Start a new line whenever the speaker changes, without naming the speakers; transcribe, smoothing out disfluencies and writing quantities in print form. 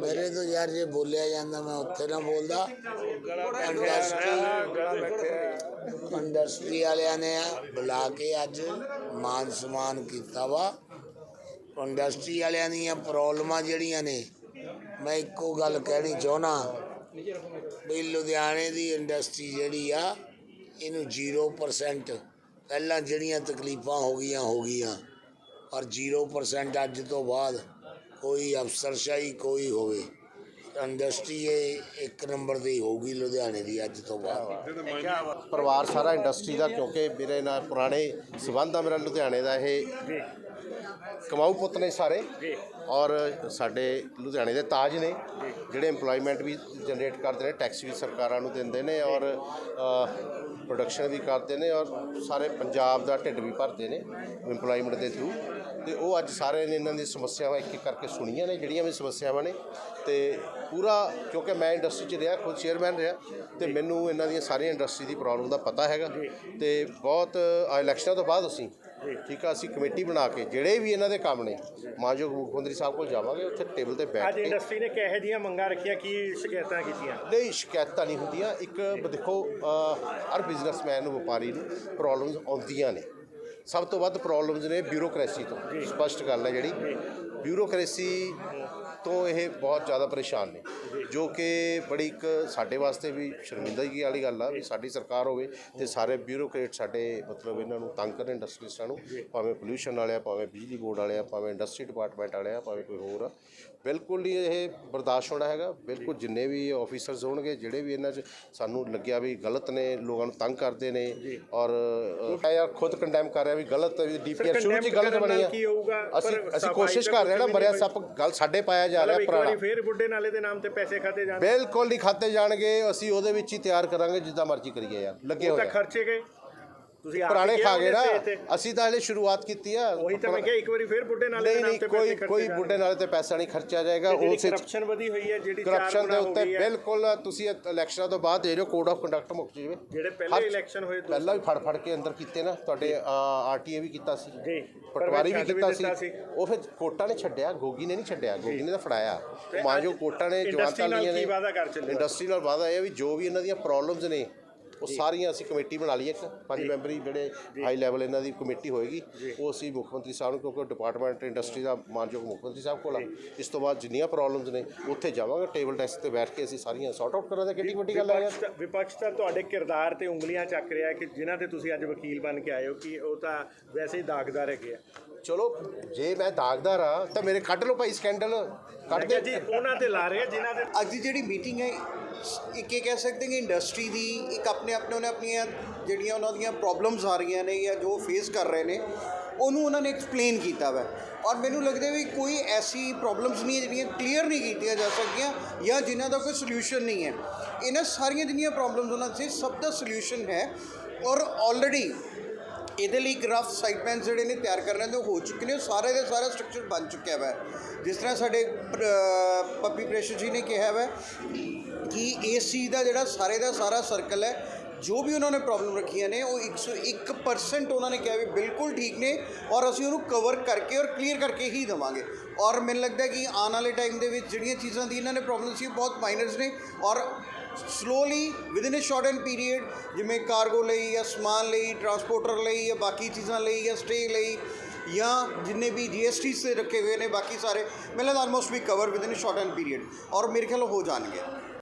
ਮੇਰੇ ਤੋਂ ਯਾਰ ਜੇ ਬੋਲਿਆ ਜਾਂਦਾ ਮੈਂ ਉੱਥੇ ਨਾ ਬੋਲਦਾ। ਇੰਡਸਟਰੀ ਵਾਲਿਆਂ ਨੇ ਬੁਲਾ ਕੇ ਅੱਜ ਮਾਨ ਸਨਮਾਨ ਕੀਤਾ ਵਾ। ਇੰਡਸਟਰੀ ਵਾਲਿਆਂ ਦੀਆਂ ਪ੍ਰੋਬਲਮਾਂ ਜਿਹੜੀਆਂ ਨੇ, ਮੈਂ ਇੱਕੋ ਗੱਲ ਕਹਿਣੀ ਚਾਹੁੰਦਾ ਵੀ ਲੁਧਿਆਣੇ ਦੀ ਇੰਡਸਟਰੀ ਜਿਹੜੀ ਆ ਇਹਨੂੰ 0% ਪਹਿਲਾਂ ਜਿਹੜੀਆਂ ਤਕਲੀਫਾਂ ਹੋ ਗਈਆਂ ਔਰ 0% ਅੱਜ ਤੋਂ ਬਾਅਦ ਕੋਈ ਅਫਸਰਸ਼ਾਹੀ ਕੋਈ ਹੋਵੇ ਇੰਡਸਟਰੀ ਇਹ 1 ਨੰਬਰ ਦੀ ਹੋਊਗੀ ਲੁਧਿਆਣੇ ਦੀ ਅੱਜ ਤੋਂ ਬਾਅਦ।
ਪਰਿਵਾਰ ਸਾਰਾ ਇੰਡਸਟਰੀ ਦਾ, ਕਿਉਂਕਿ ਮੇਰੇ ਨਾਲ ਪੁਰਾਣੇ ਸੰਬੰਧ ਆ। ਮੇਰਾ ਲੁਧਿਆਣੇ ਦਾ ਇਹ ਕਮਾਊ ਪੁੱਤ ਨੇ ਸਾਰੇ, ਔਰ ਸਾਡੇ ਲੁਧਿਆਣੇ ਦੇ ਤਾਜ ਨੇ ਜਿਹੜੇ ਇੰਪਲੋਇਮੈਂਟ ਵੀ ਜਨਰੇਟ ਕਰਦੇ ਨੇ, ਟੈਕਸ ਵੀ ਸਰਕਾਰਾਂ ਨੂੰ ਦਿੰਦੇ ਨੇ ਔਰ ਪ੍ਰੋਡਕਸ਼ਨ ਵੀ ਕਰਦੇ ਨੇ ਔਰ ਸਾਰੇ ਪੰਜਾਬ ਦਾ ਢਿੱਡ ਵੀ ਭਰਦੇ ਨੇ ਇੰਪਲੋਇਮੈਂਟ ਦੇ ਥਰੂ। ਅਤੇ ਉਹ ਅੱਜ ਸਾਰਿਆਂ ਨੇ ਇਹਨਾਂ ਦੀ ਸਮੱਸਿਆਵਾਂ ਇੱਕ ਇੱਕ ਕਰਕੇ ਸੁਣੀਆਂ ਨੇ, ਜਿਹੜੀਆਂ ਵੀ ਸਮੱਸਿਆਵਾਂ ਨੇ। ਅਤੇ ਪੂਰਾ, ਕਿਉਂਕਿ ਮੈਂ ਇੰਡਸਟਰੀ 'ਚ ਰਿਹਾ, ਖੁਦ ਚੇਅਰਮੈਨ ਰਿਹਾ, ਅਤੇ ਮੈਨੂੰ ਇਹਨਾਂ ਦੀਆਂ ਸਾਰੀਆਂ ਇੰਡਸਟਰੀ ਦੀ ਪ੍ਰੋਬਲਮ ਦਾ ਪਤਾ ਹੈਗਾ। ਅਤੇ ਬਹੁਤ ਇਲੈਕਸ਼ਨਾਂ ਤੋਂ ਬਾਅਦ ਠੀਕ ਆ, ਅਸੀਂ ਕਮੇਟੀ ਬਣਾ ਕੇ ਜਿਹੜੇ ਵੀ ਇਹਨਾਂ ਦੇ ਕੰਮ ਨੇ ਮਾਨਯੋਗ ਮੁੱਖ ਮੰਤਰੀ ਸਾਹਿਬ ਕੋਲ ਜਾਵਾਂਗੇ, ਉੱਥੇ ਟੇਬਲ 'ਤੇ ਬੈਠ ਕੇ।
ਅੱਜ ਇੰਡਸਟਰੀ ਨੇ ਕਿਹੋ ਜਿਹੀਆਂ ਮੰਗਾਂ ਰੱਖੀਆਂ, ਕੀ ਸ਼ਿਕਾਇਤਾਂ ਕੀਤੀਆਂ?
ਨਹੀਂ, ਸ਼ਿਕਾਇਤਾਂ ਨਹੀਂ ਹੁੰਦੀਆਂ। ਇੱਕ ਦੇਖੋ, ਹਰ ਬਿਜ਼ਨਸਮੈਨ ਨੂੰ, ਵਪਾਰੀ ਨੂੰ ਪ੍ਰੋਬਲਮਸ ਆਉਂਦੀਆਂ ਨੇ। ਸਭ ਤੋਂ ਵੱਧ ਪ੍ਰੋਬਲਮਸ ਨੇ ਬਿਊਰੋਕਰੇਸੀ ਤੋਂ। ਸਪਸ਼ਟ ਗੱਲ ਹੈ ਜਿਹੜੀ ਬਿਊਰੋਕਰੇਸੀ ਤੋਂ ਇਹ ਬਹੁਤ ਜ਼ਿਆਦਾ ਪਰੇਸ਼ਾਨ ਨੇ, ਜੋ ਕਿ ਬੜੀ ਇੱਕ ਸਾਡੇ ਵਾਸਤੇ ਵੀ ਸ਼ਰਮਿੰਦਗੀ ਵਾਲੀ ਗੱਲ ਆ ਵੀ ਸਾਡੀ ਸਰਕਾਰ ਹੋਵੇ ਅਤੇ ਸਾਰੇ ਬਿਊਰੋਕਰੇਟ ਸਾਡੇ ਮਤਲਬ ਇਹਨਾਂ ਨੂੰ ਤੰਗ ਕਰਨ ਇੰਡਸਟਰੀਸਟਾਂ ਨੂੰ, ਭਾਵੇਂ ਪੋਲਿਊਸ਼ਨ ਵਾਲੇ ਆ, ਭਾਵੇਂ ਬਿਜਲੀ ਬੋਰਡ ਵਾਲੇ ਆ, ਭਾਵੇਂ ਇੰਡਸਟਰੀ ਡਿਪਾਰਟਮੈਂਟ ਵਾਲੇ ਆ, ਭਾਵੇਂ ਕੋਈ ਹੋਰ ਆ। ਬਿਲਕੁਲ ਨਹੀਂ ਇਹ ਬਰਦਾਸ਼ਤ ਹੋਣਾ ਹੈਗਾ। ਬਿਲਕੁਲ ਜਿੰਨੇ ਵੀ ਆਫੀਸਰਸ ਹੋਣਗੇ, ਜਿਹੜੇ ਵੀ ਇਹਨਾਂ 'ਚ ਸਾਨੂੰ ਲੱਗਿਆ ਵੀ ਗਲਤ ਨੇ, ਲੋਕਾਂ ਨੂੰ ਤੰਗ ਕਰਦੇ ਨੇ, ਔਰ ਮੈਂ ਯਾਰ ਖੁਦ ਕੰਡੈਮ ਕਰ ਰਿਹਾ ਵੀ ਗਲਤ DPR ਸ਼ੁਰੂ 'ਚ ਗਲਤ ਬਣੀ ਆ। ਅਸੀਂ ਕੋਸ਼ਿਸ਼ ਕਰ ਰਹੇ ਨਾ, ਮਰਿਆ ਸੱਪ ਗੱਲ ਸਾਡੇ ਪਾਇਆ ਜਾ ਰਿਹਾ ਪੁਰਾਣਾ।
ਫਿਰ ਬੁੱਢੇ ਨਾਲੇ ਦੇ ਨਾਮ ਤੇ ਪੈਸੇ ਖਾਤੇ ਜਾਣਗੇ?
ਬਿਲਕੁਲ ਨਹੀਂ ਖਾਤੇ ਜਾਣਗੇ। ਅਸੀਂ ਉਹਦੇ ਵਿੱਚ ਹੀ ਤਿਆਰ ਕਰਾਂਗੇ ਜਿੱਦਾਂ ਮਰਜ਼ੀ ਕਰੀਏ ਯਾਰ, ਲੱਗੇ ਹੋਏ
ਖਰਚੇ ਗਏ ਤੁਸੀਂ
ਪੁਰਾਣੇ ਖਾ ਗਏ ਨਾ। ਅਸੀਂ ਤਾਂ ਹਲੇ ਸ਼ੁਰੂਆਤ ਕੀਤੀ ਆ।
ਉਹੀ ਤਾਂ ਮੈਂ ਕਿਹਾ, ਇੱਕ ਵਾਰੀ ਫਿਰ ਬੁੱਢੇ ਨਾਲੇ ਦੇ ਨਾਮ ਤੇ
ਕੋਈ ਬੁੱਢੇ ਨਾਲੇ ਤੇ ਪੈਸਾ ਨਹੀਂ ਖਰਚਿਆ ਜਾਏਗਾ।
ਉਸੇ ਕਰਪਸ਼ਨ ਵਧੀ ਹੋਈ ਹੈ ਜਿਹੜੀ
ਕਰਪਸ਼ਨ ਦੇ ਉੱਤੇ ਬਿਲਕੁਲ ਤੁਸੀਂ ਇਲੈਕਸ਼ਨਾਂ ਤੋਂ ਬਾਅਦ ਇਹ ਜੋ ਕੋਡ ਆਫ ਕੰਡਕਟ ਮੁੱਕ ਜਾਵੇ।
ਜਿਹੜੇ ਪਹਿਲੇ ਇਲੈਕਸ਼ਨ ਹੋਏ
ਪਹਿਲਾਂ ਵੀ ਫੜ ਕੇ ਅੰਦਰ ਕੀਤੇ ਨਾ, ਤੁਹਾਡੇ RTA ਵੀ ਕੀਤਾ ਸੀ, ਪਟਵਾਰੀ ਵੀ ਕੀਤਾ ਸੀ। ਉਹ ਫਿਰ ਕੋਟਾਂ ਨੇ ਛੱਡਿਆ, ਗੋਗੀ ਨੇ ਨਹੀਂ ਛੱਡਿਆ, ਗੋਗੀ ਨੇ ਤਾਂ ਫੜਾਇਆ। ਮਾਂਜੋ ਕੋਟਾਂ ਨੇ ਜਵਾਨਤਾਂ ਲਈਆਂ ਨੇ। ਇੰਡਸਟਰੀ ਨਾਲ ਵਾਅਦਾ ਇਹ ਵੀ ਜੋ ਵੀ ਇਹਨਾਂ ਦੀਆਂ ਪ੍ਰੋਬਲਮਸ ਨੇ ਉਹ ਸਾਰੀਆਂ ਅਸੀਂ ਕਮੇਟੀ ਬਣਾ ਲਈ, ਇੱਕ 5 ਮੈਂਬਰੀ ਜਿਹੜੇ ਹਾਈ ਲੈਵਲ ਇਹਨਾਂ ਦੀ ਕਮੇਟੀ ਹੋਏਗੀ। ਉਹ ਅਸੀਂ ਮੁੱਖ ਮੰਤਰੀ ਸਾਹਿਬ ਨੂੰ, ਕਿਉਂਕਿ ਡਿਪਾਰਟਮੈਂਟ ਇੰਡਸਟਰੀ ਦਾ ਮਾਨਯੋਗ ਮੁੱਖ ਮੰਤਰੀ ਸਾਹਿਬ ਕੋਲ ਆ। ਇਸ ਤੋਂ ਬਾਅਦ ਜਿੰਨੀਆਂ ਪ੍ਰੋਬਲਮਸ ਨੇ ਉੱਥੇ ਜਾਵਾਂਗੇ, ਟੇਬਲ ਡੈਸਕ 'ਤੇ ਬੈਠ ਕੇ ਅਸੀਂ ਸਾਰੀਆਂ ਸੌਟ ਆਊਟ ਕਰਾਂਗੇ। ਕਿੱਡੀ ਵੱਡੀ ਗੱਲ ਹੈ।
ਵਿਪਕਸ਼ ਤਾਂ ਤੁਹਾਡੇ ਕਿਰਦਾਰ 'ਤੇ ਉਂਗਲੀਆਂ ਚੱਕ ਰਿਹਾ ਕਿ ਜਿਨ੍ਹਾਂ 'ਤੇ ਤੁਸੀਂ ਅੱਜ ਵਕੀਲ ਬਣ ਕੇ ਆਏ ਹੋ, ਕਿ ਉਹ ਤਾਂ ਵੈਸੇ ਹੀ ਦਾਗਦਾਰ ਹੈਗੇ ਆ।
ਚਲੋ ਜੇ ਮੈਂ ਦਾਗਦਾਰ ਆ ਤਾਂ ਮੇਰੇ ਕੱਢ ਲਓ ਭਾਈ ਸਕੈਂਡਲ, ਕੱਢ ਦੇ
ਜੀ। ਉਹਨਾਂ 'ਤੇ ਲਾ ਰਹੇ ਜਿਨ੍ਹਾਂ ਦੇ
ਅੱਜ ਦੀ ਜਿਹੜੀ ਮੀਟਿੰਗ ਹੈ, ਇੱਕ ਇਹ ਕਹਿ ਸਕਦੇ ਕਿ ਇੰਡਸਟਰੀ ਦੀ ਇੱਕ ਉਹਨੇ ਆਪਣੀਆਂ ਜਿਹੜੀਆਂ ਉਹਨਾਂ ਦੀਆਂ ਪ੍ਰੋਬਲਮਸ ਆ ਰਹੀਆਂ ਨੇ ਜਾਂ ਜੋ ਫੇਸ ਕਰ ਰਹੇ ਨੇ, ਉਹਨੂੰ ਉਹਨਾਂ ਨੇ ਐਕਸਪਲੇਨ ਕੀਤਾ ਵਾ। ਔਰ ਮੈਨੂੰ ਲੱਗਦਾ ਵੀ ਕੋਈ ਐਸੀ ਪ੍ਰੋਬਲਮਸ ਨਹੀਂ ਹੈ ਜਿਹੜੀਆਂ ਕਲੀਅਰ ਨਹੀਂ ਕੀਤੀਆਂ ਜਾ ਸਕਦੀਆਂ ਜਾਂ ਜਿਨ੍ਹਾਂ ਦਾ ਕੋਈ ਸੋਲਿਊਸ਼ਨ ਨਹੀਂ ਹੈ। ਇਹਨਾਂ ਸਾਰੀਆਂ ਜਿੰਨੀਆਂ ਪ੍ਰੋਬਲਮਸ ਉਹਨਾਂ 'ਚ ਸਭ ਦਾ ਸੋਲਿਊਸ਼ਨ ਹੈ। ਔਰ ਆਲਰੇਡੀ ਇਹਦੇ ਲਈ ਗ੍ਰਾਫ ਸਾਈਟ ਪਲਾਨਸ ਜਿਹੜੇ ਨੇ ਤਿਆਰ ਕਰਨੇ ਤੇ ਹੋ ਚੁੱਕੇ ਨੇ। ਉਹ ਸਾਰੇ ਦਾ ਸਾਰਾ ਸਟਰਕਚਰ ਬਣ ਚੁੱਕਿਆ ਵਾ। ਜਿਸ ਤਰ੍ਹਾਂ ਸਾਡੇ ਪੱਪੀ ਪ੍ਰੇਸ਼ਰ ਜੀ ਨੇ ਕਿਹਾ ਵਾ ਕਿ ਇਸ ਚੀਜ਼ ਦਾ ਜਿਹੜਾ ਸਾਰੇ ਦਾ ਸਾਰਾ ਸਰਕਲ ਹੈ, ਜੋ ਵੀ ਉਹਨਾਂ ਨੇ ਪ੍ਰੋਬਲਮ ਰੱਖੀਆਂ ਨੇ, ਉਹ 101% ਉਹਨਾਂ ਨੇ ਕਿਹਾ ਵੀ ਬਿਲਕੁਲ ਠੀਕ ਨੇ ਔਰ ਅਸੀਂ ਉਹਨੂੰ ਕਵਰ ਕਰਕੇ ਔਰ ਕਲੀਅਰ ਕਰਕੇ ਹੀ ਦੇਵਾਂਗੇ। ਔਰ ਮੈਨੂੰ ਲੱਗਦਾ ਕਿ ਆਉਣ ਵਾਲੇ ਟਾਈਮ ਦੇ ਵਿੱਚ ਜਿਹੜੀਆਂ ਚੀਜ਼ਾਂ ਦੀ ਇਹਨਾਂ ਨੇ ਪ੍ਰੋਬਲਮ ਸੀ ਬਹੁਤ ਮਾਈਨਰਸ ਨੇ ਔਰ slowly within a short and period, ਜਿਵੇਂ ਕਾਰਗੋ ਲਈ ਜਾਂ ਸਮਾਨ ਲਈ, ਟਰਾਂਸਪੋਰਟਰ ਲਈ ਜਾਂ ਬਾਕੀ ਚੀਜ਼ਾਂ ਲਈ ਜਾਂ ਸਟੇ ਲਈ ਜਾਂ ਜਿੰਨੇ ਵੀ GSTs 'ਤੇ ਰੱਖੇ ਹੋਏ ਨੇ ਬਾਕੀ ਸਾਰੇ, ਮੈਨੂੰ ਲੱਗਦਾ ਆਲਮੋਸਟ ਵੀ cover within a short and period ਔਰ ਮੇਰੇ ਖਿਆਲ ਹੋ ਜਾਣਗੇ।